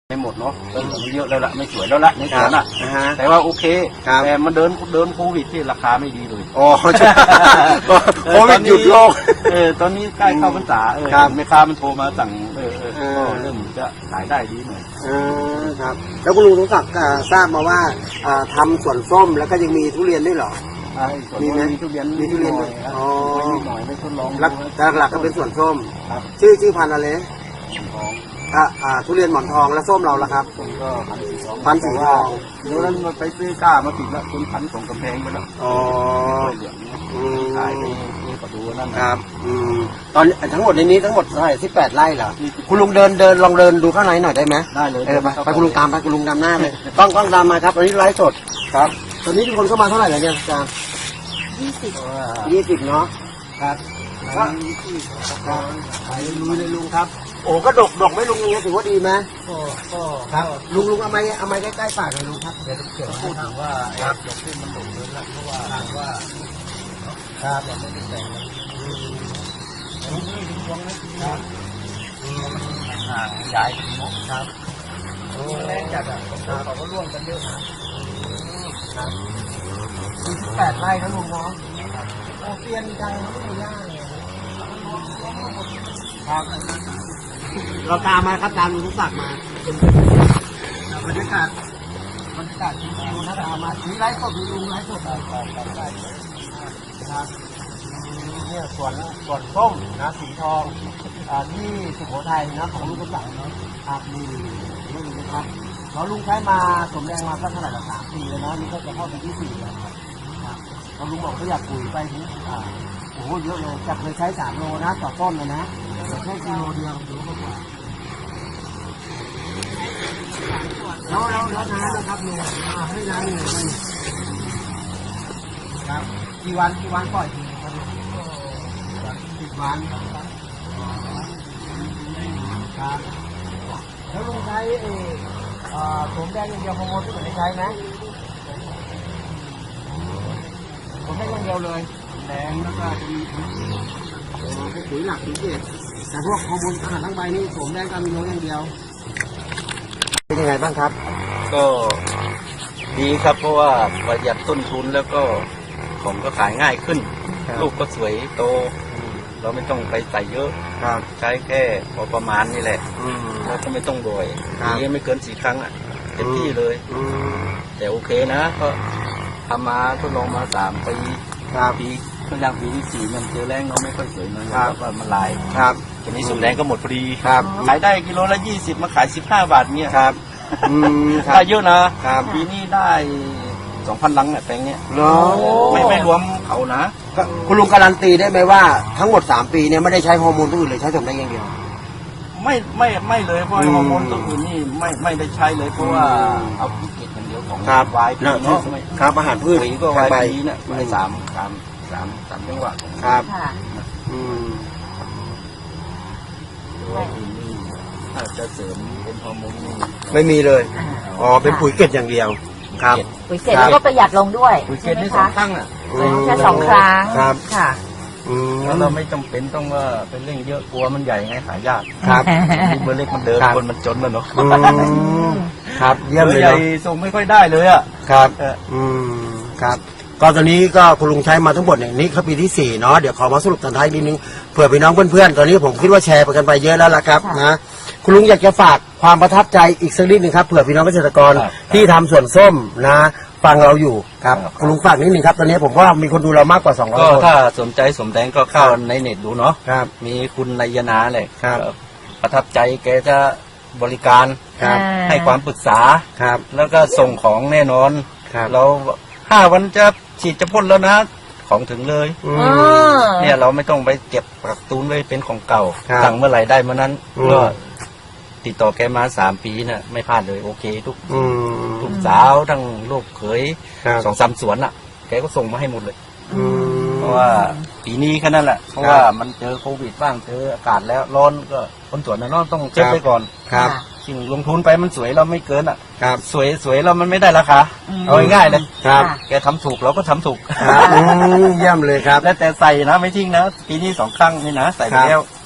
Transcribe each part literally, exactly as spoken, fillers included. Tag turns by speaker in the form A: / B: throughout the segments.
A: ไม่หมดเนาะเริ่มเยอะแล้วละไม่สวยแล้วละในสวนอ่ะแต่ว่าโอเคแต่มันเดินเดินโควิดที่ราคาไม่ดีเลย
B: อ๋อโควิดหยุดโลก
A: เออตอนนี้ใกล้เข้าพรรษาเออแม่ค้ามันโทรมาสั่งเออเออเริ่มจะขายได้ดีหน่อย
B: ครับแล้วคุณลุงสมศักดิ์ทราบมาว่าทำสวนส้มแล้วก็ยังมีทุเรียนด้วยเหรอ
A: มีไหมมีทุเรียน
B: มีทุเรียนด้วย
A: อ๋อไม่หน่อยไม่ทดลอง
B: หลักๆก็เป็นสวนส้มชื่อชื่อพันธุ์อะไรอ่าอ่าทุเรียนหมอนทองแล้วส้มเราล่ะครับ
A: ก็พันสีทอง
B: พันสีทอง
A: เดี๋ยวนั้นมาไปซื้อก้ามาติดแล้วเป็นพันของกำแพงไปแล้ว
B: อ๋อ
A: เหลืองขายไปนี่ก็ดูนั่น
B: ครับอืมตอนทั้งหมดในนี้ทั้งหมดเท่าไหร่สิบแปดไร่เหรอคุณลุงเดินเดินลองเดินดูข้างในหน่อยได้ไหม
A: ได้เลย
B: เออไปไปคุณลุงตามไปคุณลุงตามหน้าเลยต้องต้องตามมาครับตอนนี้ไลฟ์สดครับตอนนี้ทุกคนเข้ามาเท่าไหร่แล้วเนี่ยอาจารย์
C: ยี่สิบ
B: ยี่สิบเนาะ
A: ครับ
B: ครับขายลุยเลยลุงครับโอ้ก็ดกดกไม่ลุงเนี่ยถือว่าดีไหม
A: ก็ก็
B: ครับลุงลุงเอาไม้เอาไม้ใกล้ๆปากเลยลุงครับ
A: เดี๋ยวเกี่ยวพูดถึงว่าไอ้ดกที่มันดกเลยละเพราะว่าว่า
B: ครับ
A: เราไม่ได้แต่งมันนี่ถึงช่วงนี้ครับห่างใหญ่ครับแรงจัดอ่ะเขาก็ร่วมกันเยอะ
B: นะครับสี่สิบแปดไร่นะลุงเนาะโอเตียนจังไม่ได้ย่างเลยครับเราตามมาครับตามลุงทุกศักดิ์มาบรรยากาศบรรยากาศชิวๆนะตามมาชี้ไร้สดลุงไร้สดได้ครับได้ครับเนี่ยส่วนส่วนส้มนะสีทองที่สุโขทัยนะของลุงทุกศักดิ์นะครับนี่นี่นะครับเราลุงใช้มาสมแดงมาสักเท่าไหร่ละสามปีแล้วนะนี่ก็จะเข้าปีที่สี่แล้วครับเราลุงบอกเขาอยากปุ๋ยไปถึงอ่าโอ้โหเยอะเลยจากเคยใช้สามโลนะต่อต้นเลยนะแต่แค่กิโลเดียวหรือมากกว่าแล้วแล้วแล้วน้ำนะครับเนี่ยให้น้ำเนี่ยมันครับกี่วันกี่วันปล่อยทีครับสิบวันครับแล้วลุงใช้เออสมแดงอย่างเดียวฮอร์โมนที่ผมได้ใช้ไหมผมได้อย่างเดียวเลยแดงแล้วก็จะมีปุ๋ยหลักปุ๋ยเกศแต่พวกฮอร์โมนอาหารทั้งใบนี่สมแดงกับมีโนอย่างเดียวเป็นยังไงบ้างครับ
A: ก็ดีครับเพราะว่าประหยัดต้นทุนแล้วก็ของก็ขายง่ายขึ้นลูกก็สวยโตเราไม่ต้องไปใส่เยอะใช้แค่พอประมาณนี่แหละแล้วก็ไม่ต้องบ่อยนี้ไม่เกินสี่ครั้งอ่ะเต็มที่เลยแต่โอเคนะก็ทำมาทดลองมาสามปีปีก็ยังปีที่สี่มันเจอแรงเราไม่ค่อยสวยมันแล้วก็มันลายทีนี้สมแดงก็หมดพอดีขายได้กิโลละยี่สิบมาขายสิบห้าบาทเนี่ยได้เยอะนะปีนี้ได้สองพันลังเนี่ยแปลงเนี้ยไม่ไม่รวมเขานะ
B: คุณลุงการันตีได้ไหมว่าทั้งหมดสามปีเนี่ยไม่ได้ใช้ฮอร์โมนตัวอื่นเลยใช้สมแดงอย่างเดียว
A: ไม่ไม่ไม่เลยเพราะฮอร์โมนตัวอื่นนี่ไม่ไม่ได้ใช้เลยเพราะว่าเอาพิเกตอย่างเดียวของวายพีเนาะ
B: ครับอาหารพืช
A: ก็วายพีเนี่ยไปสามสามสามสามจังหวะ
B: ครับอืม
A: ถ้าจะเสริมเป็นฮอร์โมนนี่
B: ไม่มีเลยอ๋อเป็นปุ๋ยเกล็ดอย่างเดียวครับ
C: ปุ๋ยเกล็ดแล้วก็ประหยัดลงด้วย
A: ปุ๋ยเกล็ดนี่สองครั้งอ่ะ
C: แค่สองครั้งค่ะ
A: แล้วเราไม่จำเป็นต้องว่าเป็นเร่งเยอะกลัวมันใหญ่ไงขายยากเบอร์เล็กมันเดินคนมันจนแล้วเนาะ
B: ครับเยี่ยมเลย
A: ใหญ่ส่งไม่ค่อยได้เลยอ่ะ
B: ครับอืมครับก็ตอนนี้ก็คุณลุงใช้มาทั้งหมดเนี่ยนี่คือปีที่สี่เนาะเดี๋ยวขอมาสรุปตอนท้ายนิดนึงเผื่อพี่น้องเพื่อนๆตอนนี้ผมคิดว่าแชร์ไปกันไปเยอะแล้วล่ะครับนะคุณลุงอยากจะฝากความประทับใจอีกสักนิดนึงครับเผื่อพี่น้องเกษตรกรที่ทำสวนส้มนะฟังเราอยู่ครับคุณลุงฝากนิดนึงครับตอนนี้ผมว่ามีคนดูเรามากกว่าสองร้อย
A: คนก็ถ้าสนใจสมแดงก็เข้าในเน็ตดูเนาะมีคุณนายนาเลยประทับใจแกจะบริการให้ความปรึกษาแล้วก็ส่งของแน่นอนเราห้าวันจะฉีดจะพ่นแล้วนะของถึงเลยเนี่ยเราไม่ต้องไปเก็บกักตุนไว้เป็นของเก่าสั่งเมื่อไหร่ได้เมื่อนั้นก็ติดต่อแกมาสามปีน่ะไม่พลาดเลยโอเคทุกทุกสาวทั้งลูกเขยสองสามสวนอ่ะแกก็ส่งมาให้หมดเลยเพราะว่าปีนี้แค่นั้นแหละเพราะว่ามันเจอโควิดบ้างเจออากาศแล้วร้อนก็คนสวนน่ะต้องเช็คไปก่อน
B: ครับ
A: สิ่งลงทุนไปมันสวยเราไม่เกินอ่ะสวยสวยเรามันไม่ได้ราคาเอาง่ายๆเลย
B: ครับ
A: แกทำถูกเราก็ทำถูก
B: เยี่ยมเลยครับ
A: แล้วแต่ใส่นะไม่ทิ้งนะปีนี้สองครั้งนี่นะใส่ไปแล้ว
B: ครับ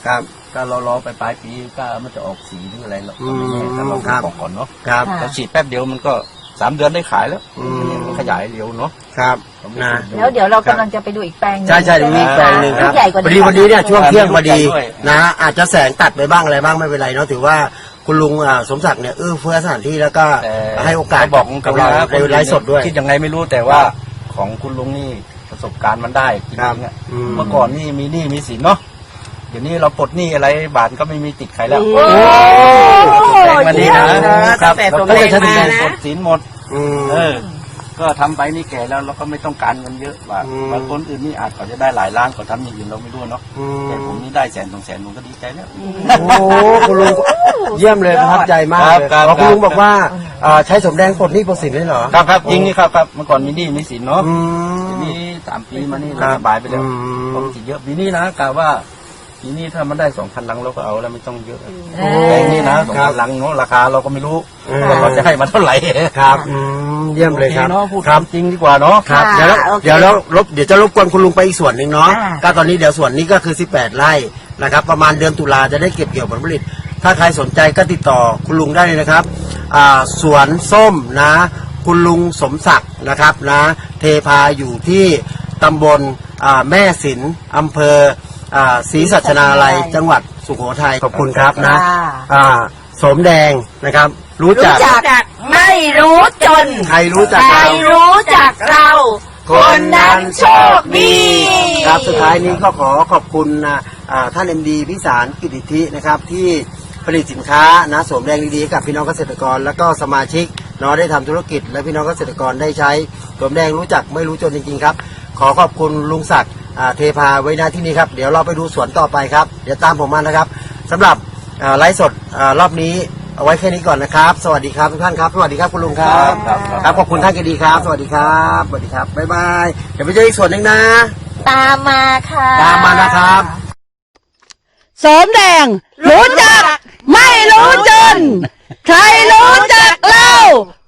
A: ก็เรารอไปปลายปีก็มันจะออกสีหรืออะไรเราก็ไม่แน่แต่เรา
B: ครับ
A: บอกก่อนเนาะ
B: ครับ
C: ค่ะ
A: เราฉีดแป๊บเดียวมันก็สามเดือนได้ขายแล้ว
B: อืม
A: มันขยายเร็วเนาะ
B: ครับนะ
C: แล้วเดี๋ยวเรากำลังจะไปดูอีกแปลงหนึง
B: ใช่ใช่เดี๋ยวมีอีกแปลงหนึ่งครับ
C: ใหญ่กว่า
B: พอดีวันนี้เนี่ยช่วงเที่ยงพอดี
A: ด้วย
B: นะอาจจะแสงตัดไปบ้างอะไรบ้างไม่เป็นไรเนาะถือว่าคุณลุงอ่าสมศักดิ์เนี่ยเอื้อเฟื้อสถานที่แล้วก็
A: แต่
B: ให้โอกาส
A: บอกกับเรา
B: ในไลฟ์สดด้วย
A: คิดยังไงไม่รู้แต่ว่าของคุณลุงนี่ประสบการณ์มันได้จริ
B: ครับ
A: งๆอะ
B: อืม
A: เมื่อก่อนนี่มีหนี้มีสินเนาะเดี๋ยวนี้เราปลดหนี้อะไรบาทก็ไม่มีติดใครแล้ว
C: โอ้
A: แดงมาดีนะ
C: เยี่ยมเลย
A: ครับ
C: ตั้งแต่
A: เรา
C: สม
A: ก็
C: แด
A: จะ
C: ง
A: ทำ
C: มา
A: งาน
C: นะ
A: ปลดสินหมด
B: อืม
A: เออ ก็ทำไปนี่แก่แล้วเราก็ไม่ต้องการเงินเยอะว่า
B: อืม
A: บางคนอื่นนี่อาจเขาจะได้หลายล้านเขาทำอย่างอื่นเราไม่รู้เนาะ
B: อืม
A: แต่ผมนี่ได้แสนสองแสนผมก็ดีใจแล้ว
B: โอ้คุณลุงเยี่ยมเลยประทับใจมากเลย
A: ครับ
B: อ๋อ
A: ครับ
B: คุณลุงบอกว่าอ่าใช้สมแดงปลดหนี้ปลดสินได้เหรอ
A: ครับครับจริงนี่ครับครับเมื่อก่อนมีหนี้มีสินเนาะ
B: อื
A: ที
B: ม
A: นี้สามปีมานี่
B: ครั
A: เรา
B: บ
A: สบายไปแล้ว
B: อืม
A: ปกติเยอะปีนี้นะกะว่าปีนี้ถ้ามันได้สองพันลังเราก็เอาแล้วไม่ต้องเยอะ
C: เอ
A: แปล
C: อง
A: นี้นะสองพันลังเนาะราคาเราก็ไม่รู้
B: อืม
A: ว่าเขาจะให้มาเท่าไหร่
B: ครับอืมเยี่ยมเลยครับ
A: โอเนาะพูด
B: ครับ
A: จริงดีกว่าเนาะ
B: ครับ
C: ค่ะ
B: เดี๋ยวเรา
C: โอเค
B: เดี๋ยวเรารบเดี๋ยวจะรบกวนคุณลุงไปอีกส่วนหนึ่งเนาะ
C: อ่า
B: ก็ตอนนี้เดี๋ยวส่วนนี้ก็คือสิบแปดไร่นะครับประมาณเดือนตุลาจะได้เก็บเกี่ยวผลผลิต ถ้าใครสนใจก็ติดต่อคุณลุงได้เลยนะครับอ่าสวนส้มนะ คุณลุงสมศักดิ์นะครับนะ เทพาอยู่ที่ตำบลอ่าแม่สินอำเภออ่าศรีสัชนาลัยจังหวัดสุโขทัยขอบคุณครับนะ
C: ค่ะ
B: อ่าสมแดงนะครับ รู้จั
C: รู้
B: ก
C: จักไม่รู้จน
B: ใครรู้จัก
C: ใคร
B: เรา
C: รู้จักเรา คนนั้นโชคดี
B: ครับสุดท้ายนี้ก็ขอขอบคุณนะอ่าท่านเอ็มดีพิสารกิติธินะครับที่ผลิตสินค้านะสวมแดงดีๆให้กับพี่น้องเกษตรกร แล้วก็สมาชิกเนาะได้ทำธุรกิจ และพี่น้องเกษตรกรได้ใช้สวมแดงรู้จักไม่รู้จนจริงๆครับ ขอขอบคุณลุงศักดิ์อ่าเทพาไว้หน้าที่นี้ครับเดี๋ยวเราไปดูสวนต่อไปครับเดี๋ยวตามผมมานะครับสำหรับอ่าไลฟ์สดอ่ารอบนี้เอาไว้แค่นี้ก่อนนะครับ สวัสดีครับทุกท่านครับสวัสดีครับคุณลุงครับ
A: ครับครับ
B: ครับขอบคุณท่านกดีครับ สวัสดีครับสวัสดีครับบ๊ายบายเดี๋ยวไปเจออีกส่วนหนึ่งนะ
C: ตามมาค่ะ
B: ตามมานะครับ
D: สมแดง รู้จัก ไม่รู้จน ใครรู้จักเรา